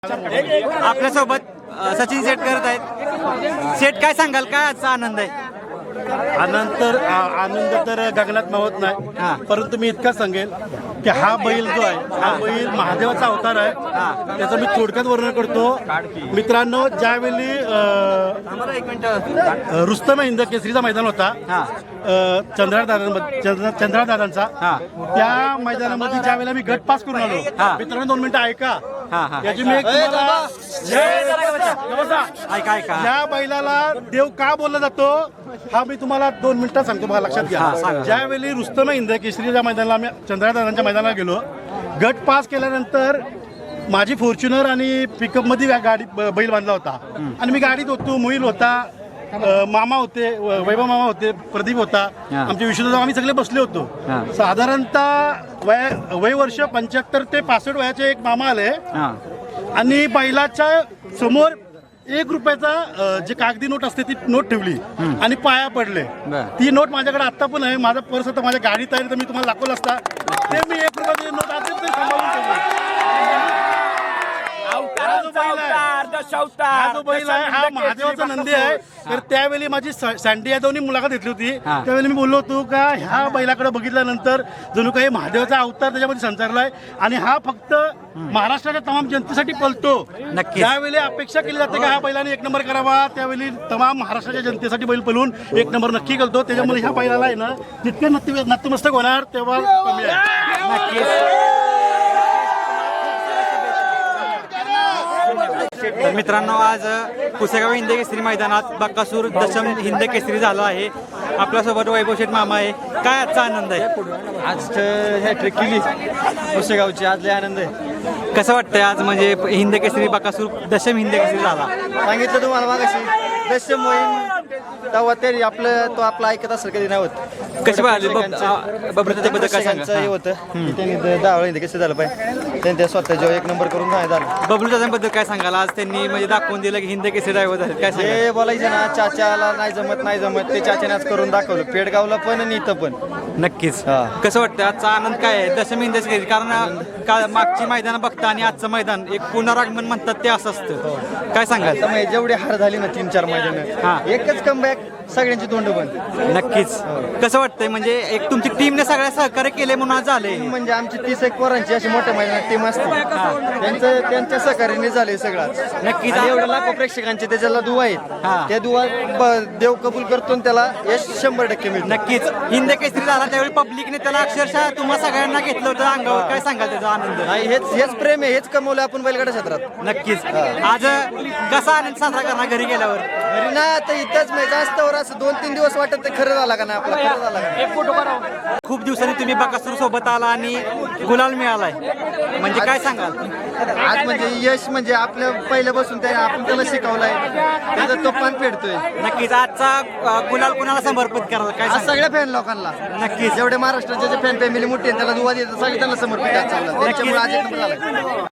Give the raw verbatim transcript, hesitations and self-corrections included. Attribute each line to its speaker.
Speaker 1: आपल्यासोबत अ, सचिन सेट करत आहेत. सेट काय सांगाल, काय आजचा आनंद आहे?
Speaker 2: आनंद तर आ- आनंद तर गगनात मावत
Speaker 1: हा.
Speaker 2: नाही, परंतु मी इतका सांगेल की हा बैल जो आहे हा बैल महादेवाचा अवतार आहे. त्याचं मी थोडक्यात वर्णन करतो मित्रांनो. ज्यावेळी
Speaker 1: आम्हाला एक मिनिट.
Speaker 2: अ, रुस्तम हिंद केसरीचा मैदान होता
Speaker 1: हा.
Speaker 2: चंद्रा दादा चंद्रा दादांचा,
Speaker 1: हा.
Speaker 2: त्या मैदानामध्ये ज्या वेळेला मी गट पास करून आलो,
Speaker 1: हा.
Speaker 2: मित्रांनो दोन मिनिटं ऐका.
Speaker 1: हा, हा.
Speaker 2: याची मी एक तुम्हाला-
Speaker 1: ऐका ऐका
Speaker 2: या बैलाला देव का बोलला जातो हा मी तुम्हाला दोन मिनिटात सांगतो, बघा लक्षात
Speaker 1: हा, सांगा.
Speaker 2: घ्या. ज्यावेळी रुस्तम हिंद केसरीच्या मैदानाला आम्ही चंद्रदादांच्या मैदानाला गेलो, गट पास केल्यानंतर माझी फॉर्च्युनर आणि पिकअप मध्ये गा- गाडी ब- बैल बांधला होता आणि मी गाडीत होतो. मोहिल होता, अ, मामा होते, व- वैभव मामा होते, प्रदीप होता,
Speaker 1: हा.
Speaker 2: आमचे विष्णू, आम्ही सगळे बसले होतो.
Speaker 1: हा.
Speaker 2: साधारणतः वय वय वर्ष पंच्याहत्तर ते पासष्ट वयाचे एक मामा आले
Speaker 1: हा.
Speaker 2: आणि बैलाच्या समोर एक रुपयाचा अ, जे कागदी नोट असते ती नोट ठेवली आणि पाया पडले.
Speaker 1: बर.
Speaker 2: ती नोट माझ्याकडे आता पण आहे. माझा पर्स आता माझ्या गाडीत आहे, तर मी तुम्हाला दाखवलं असता. ते मी एक रुपयाची नोट आता ते सांभाळून ठेवली. हा जो बैल आहे, हा जो बैल आहे हा महादेवाचा नंदी आहे. तर त्यावेळी माझी स- सँडी यादवनी मुलाखत घेतली होती.
Speaker 1: हा.
Speaker 2: त्यावेळी मी बोललो होतो का ह्या बैलाकडे बघितल्यानंतर जणू काही महादेवाचा अवतार त्याच्यामध्ये संचारलाय आणि हा फक्त महाराष्ट्राच्या तमाम जनतेसाठी पलतो.
Speaker 1: नक्कीच.
Speaker 2: ज्यावेळी अपेक्षा केली जाते की हा बैलाने एक नंबर करावा, त्यावेळी तमाम महाराष्ट्राच्या जनतेसाठी बैल पलून एक नंबर नक्की करतो. त्याच्यामुळे ह्या बैलाला आहे ना जितके नत्ती नतमस्तक होणार तेव्हा कमी आहे.
Speaker 1: नक्कीच. तर मित्रांनो, आज पुसेगाव हिंद केसरी मैदानात बकासूर दशम हिंद केसरी झाला आहे. आपल्यासोबत वैभव शेठ मामा आहे. काय आजचा आनंद आहे?
Speaker 3: आज हॅट्रिक केली पुसेगावची, आज लय आनंद आहे.
Speaker 1: कसं वाटतंय आज, म्हणजे हिंद केसरी बकासूर दशम हिंद केसरी झाला?
Speaker 3: सांगितलं तुम्हाला मागाशी दशम मोहीम तेव्हा तरी आपलं तो आपला ऐकत असेल कधी नाही होत.
Speaker 1: कशी पाहिली बबलूच्याबद्दल काय
Speaker 3: प्रेक्षकांचं हे
Speaker 1: सांगा?
Speaker 3: होतं की त्यांनी दहा वेळा कसं झालं पाहिजे, त्यांनी त्या स्वतः जेव्हा एक नंबर करून नाही झालं.
Speaker 1: बबलूच्याबद्दल काय सांगाल? आज त्यांनी म्हणजे दाखवून दिलं की हिंद केसरी ड्रायव्हर झाले. काय सांगाल?
Speaker 3: जे बोलायचं ना चाच्याला नाही जमत नाही जमत ते चाच्याने आज करून दाखवलं, पेडगावला पण आणि इथं पण.
Speaker 1: नक्कीच.
Speaker 3: हा.
Speaker 1: कसं वाटतं आजचा आनंद काय आहे दशम हिंद केसरी? कारण का मागची मैदान बघता आणि आजचं मैदान एक पुनरागमन म्हणतात ते असं असतं. काय सांगाल?
Speaker 3: त्यामुळे जेवढी हार झाली ना तीन चार
Speaker 1: हा.
Speaker 3: मैदान, एकच कमबॅक, सगळ्यांची तोंड बंद.
Speaker 1: नक्कीच. कसं वाटतंय, म्हणजे एक तुमची टीमने सगळ्या सहकार्य केले म्हणून आज झाले?
Speaker 3: म्हणजे आमची तीस एक पोरांची अशी मोठ्या मैदानात टीम असते, त्यांचं त्यांच्या सहकार्याने झाले सगळं.
Speaker 1: नक्कीच.
Speaker 3: आणि एवढ्या लाखो प्रेक्षकांचे त्याच्याला दुवा आहेत,
Speaker 1: हा.
Speaker 3: त्या दुवा ब- देव कबूल करतो आणि त्याला यश शंभर टक्के मिळतं.
Speaker 1: नक्कीच. हिंद केसरी झाला त्यावेळी पब्लिकने त्याला अक्षरशः तुम्हा सगळ्यांना घेतलं होतं अंगावर. काय सांगाल त्याचा आनंद?
Speaker 3: नाही, हेच हेच प्रेम आहे, हेच कमवलं आपण बैलगाडा क्षेत्रात.
Speaker 1: नक्कीच. आज कसा आनंद साजरा करणार घरी गेल्यावर?
Speaker 3: घरी ना आता इथंच नाही जास्त वर असं दोन तीन दिवस वाटत ते खरं झाला का नाही आपला, खरं झाला का नाही.
Speaker 1: खूप दिवसांनी तुम्ही बकासूर सोबत आला आणि गुलाल मिळालाय, म्हणजे काय सांगाल?
Speaker 3: आज म्हणजे यश म्हणजे आपल्या पहिल्यापासून त्या आपण त्याला शिकवलाय, त्याचा तो पान फेडतोय.
Speaker 1: नक्कीच. आजचा अ, गुलाल कुणाला समर्पित कराल? काय
Speaker 3: आज
Speaker 1: सांगाल?
Speaker 3: सगळ्या फॅन लोकांना,
Speaker 1: नक्कीच.
Speaker 3: जेवढे महाराष्ट्राचे जे फॅन फॅमिली मोठी आहे त्याला दुवा देतात, सगळे त्यांना समर्पित आहे. त्याच्यामुळे आज एक नंबर झाला.